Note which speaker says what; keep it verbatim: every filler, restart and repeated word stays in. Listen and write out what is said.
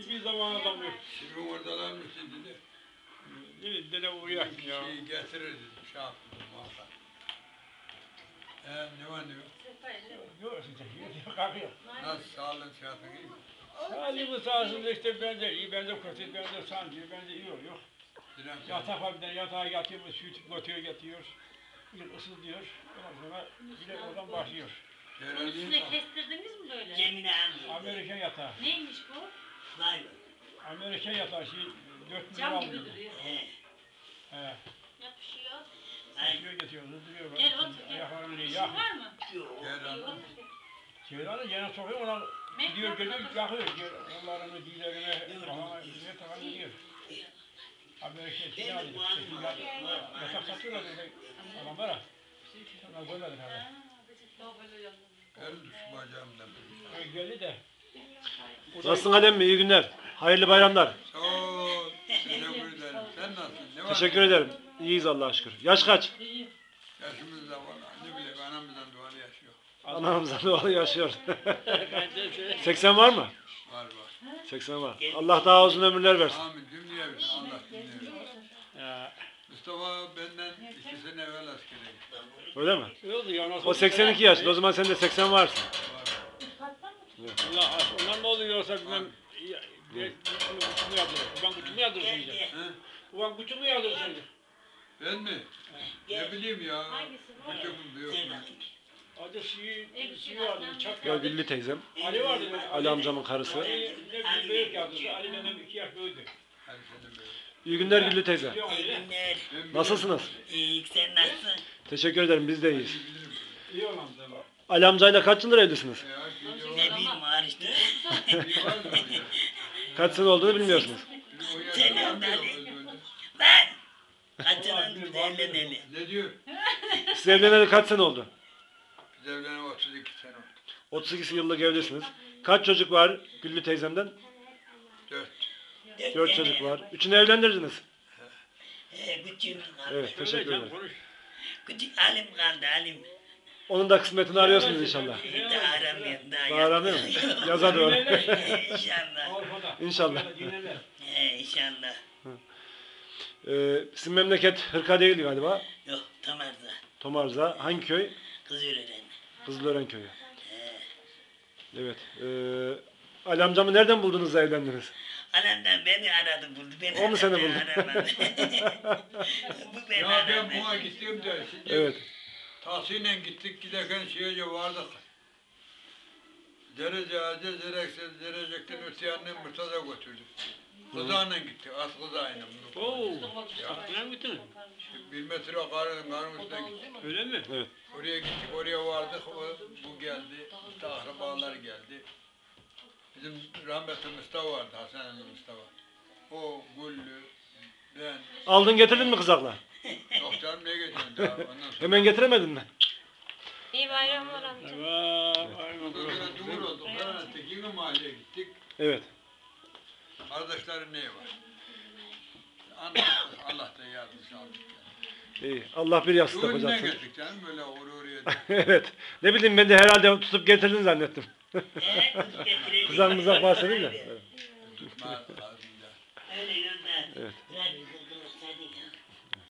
Speaker 1: Hiçbir zaman adam yok.
Speaker 2: Şimdi oradalar mısın dedi.
Speaker 1: Dedi, dede uğrayak ya.
Speaker 2: Şeyi getirir dedi. Şey yaptım muhakkak. Eee ne var ne yok?
Speaker 1: Yok işte, kalkıyor.
Speaker 2: Nasıl sağlığın sıhhatin iyi mi?
Speaker 1: Sağlığımı sağsın işte bence iyi, bence kötü, bence sancı, bence iyi oluyor. Yatak var bir tane, yatağa yatıyor, süt götürüyor, getiriyor. Bir ısıtıyor, ondan sonra bir de oradan başlıyor.
Speaker 3: Üstüne kestirdiniz mi böyle?
Speaker 4: Cemile Hanım.
Speaker 1: Amerikan yatağı.
Speaker 3: Neymiş bu?
Speaker 4: Vay be.
Speaker 1: Amerikan yatağı şey, dört milyon
Speaker 3: Cam gibi
Speaker 1: alıyor.
Speaker 3: duruyor.
Speaker 4: He.
Speaker 1: He.
Speaker 3: Yapışıyor.
Speaker 1: Getiriyor, getiriyor, hızlıyor.
Speaker 3: Gel otur gel.
Speaker 1: Ayaklarını
Speaker 3: İşin
Speaker 1: yakıyor.
Speaker 3: var mı?
Speaker 4: Yok.
Speaker 2: Gel anam.
Speaker 1: Çevrenin yerine sokuyor, ona gidiyor, geliyor, yakıyor. Onların diğerine, kafana, ne takan gidiyor. Amerikan şey alıyor. Yatak satıyorlar böyle adamlara. Onlar görmedik abi.
Speaker 2: El düş bacağımdan.
Speaker 1: Geldi de.
Speaker 5: Nasılsın Alem mi? İyi günler. Hayırlı bayramlar.
Speaker 2: Sağ ol. Teşekkür ederim. Sen nasılsın? Ne var?
Speaker 5: Teşekkür ederim. İyiyiz Allah'a şükür. Yaş kaç?
Speaker 2: Yaşımız da var. Ne bileyim anamızdan duvarı yaşıyor.
Speaker 5: Anamızdan doğalı yaşıyor. seksen var mı?
Speaker 2: Var var.
Speaker 5: seksen var. Allah daha uzun ömürler versin.
Speaker 2: Amin. Cümleye versin. Allah cümleye versin.
Speaker 1: Ya,
Speaker 2: Mustafa benden iki sene evvel askere gitti.
Speaker 5: Öyle mi?
Speaker 1: ne oldu ya? Nasıl
Speaker 5: O seksen iki yaşında. O zaman sen de seksen varsın.
Speaker 2: Var.
Speaker 1: Allah ondan ne oluyorsa bilmem. Kutumu yadırır. Ulan kutumu yadırır
Speaker 4: Gel
Speaker 1: şimdi.
Speaker 4: gel.
Speaker 2: He?
Speaker 1: Ulan kutumu yadırır şimdi.
Speaker 2: Ben mi? Ne bileyim ya.
Speaker 3: Hangisi bu?
Speaker 2: Küçüküm büyük
Speaker 4: Gel
Speaker 2: mü?
Speaker 4: bakayım.
Speaker 1: Adı şeyi, şeyi vardı, bıçak
Speaker 5: Ya
Speaker 1: vardı.
Speaker 5: Güllü teyzem.
Speaker 1: Ali vardı. böyle,
Speaker 5: Ali amcamın karısı.
Speaker 1: Ali ne büyük yadırdı. Ali benden iki yaş büyüdü.
Speaker 2: Hadi sen de böyle.
Speaker 5: İyi günler Güllü teyze.
Speaker 1: Biliyor musun
Speaker 4: İyi
Speaker 1: Ali?
Speaker 4: günler.
Speaker 2: Ben bilirim.
Speaker 5: Nasılsınız?
Speaker 4: İyi sen nasılsın?
Speaker 5: Teşekkür ederim. Biz de iyiyiz.
Speaker 2: Bilirim.
Speaker 1: İyi olan da var.
Speaker 5: Ali amcayla kaç yıldır evlisiniz?
Speaker 2: Ya, şimdi o-
Speaker 4: Ne bileyim var işte.
Speaker 2: Bir var mı ya?
Speaker 5: Kaç sene olduğunu bilmiyorsunuz.
Speaker 2: O yaşta
Speaker 4: Sen
Speaker 2: var mı
Speaker 4: önden-
Speaker 2: ya, öyle öyle?
Speaker 4: Lan! Kaçıran biz evleneli.
Speaker 2: Ne diyor?
Speaker 5: Siz evleneli kaç sene oldu?
Speaker 2: Biz evlenene otuz iki sene oldu.
Speaker 5: otuz iki yıllık evlisiniz. Kaç çocuk var Güllü teyzemden?
Speaker 2: Dört.
Speaker 5: Dört çocuk var. Üçünü evlendirdiniz.
Speaker 4: He, küçüğümüz kaldı.
Speaker 5: Evet, teşekkür
Speaker 1: Söyle,
Speaker 5: ederim.
Speaker 1: konuş.
Speaker 4: Küçük Alim kaldı Alim.
Speaker 5: Onun da kısmetini arıyorsunuz inşallah.
Speaker 4: Daha aramıyorum daha.
Speaker 5: Daha aramıyor mu? Yaza doğru.
Speaker 4: İnşallah.
Speaker 1: Avrupa'da.
Speaker 5: İnşallah.
Speaker 1: Avrupa'da dinlerler.
Speaker 4: He inşallah.
Speaker 5: Ee, sizin memleket Hırka değil galiba.
Speaker 4: Yok Tamar'da.
Speaker 5: Tomarza. Hangi köy?
Speaker 4: Kız öğrenen.
Speaker 5: Kızılören köyü.
Speaker 4: He.
Speaker 5: Evet. Ee, Ali amcamı nereden buldunuz da evlendiniz?
Speaker 4: Anamdan beni aradı buldu. Beni
Speaker 5: O mu seni
Speaker 4: aradı,
Speaker 5: buldu?
Speaker 4: aramadı. Bu beni
Speaker 2: Ya
Speaker 4: aradı.
Speaker 2: ben buna gittim de şimdi
Speaker 5: Evet.
Speaker 2: Tahsin'le gittik giderken şeye vardık. Derece aciz dereksiz derecekten öte yanına Murtaza götürdük. Kızağıyla gittik, az kızağıyla.
Speaker 1: Oo. Aklına mı gittin?
Speaker 2: Bir metre karın, karın üstüne gittik.
Speaker 1: Öyle mi?
Speaker 5: Evet.
Speaker 2: Oraya gittik, oraya vardık. O, bu geldi, işte akrabalar geldi. Bizim rahmetli Mustafa vardı, Hasan emmi Mustafa. O, Güllü, ben.
Speaker 5: Aldın getirdin mi kızakla?
Speaker 2: Yok canım ne geçiyorsun daha ondan sonra.
Speaker 5: Hemen getiremedin mi?
Speaker 6: İyi bayramlar amca.
Speaker 1: Evet. Aynen.
Speaker 2: Ondan sonra cumhur olduk. Karanlık'taki yine mahalleye gittik.
Speaker 5: Evet.
Speaker 2: Kardeşlerin neyi var? Allah, Allah da yardımcı aldık.
Speaker 5: İyi. Allah bir yastık
Speaker 2: Düğününe
Speaker 5: yapacaksın.
Speaker 2: gittik canım böyle oraya oraya.
Speaker 5: Evet. Ne bileyim ben de herhalde tutup getirdin zannettim.
Speaker 4: He, kız getireyim.
Speaker 5: Kızak mızak bahsedin de. Evet.
Speaker 2: Tutma ağzında.
Speaker 4: Öyle yolda.
Speaker 5: Evet.
Speaker 4: Zaten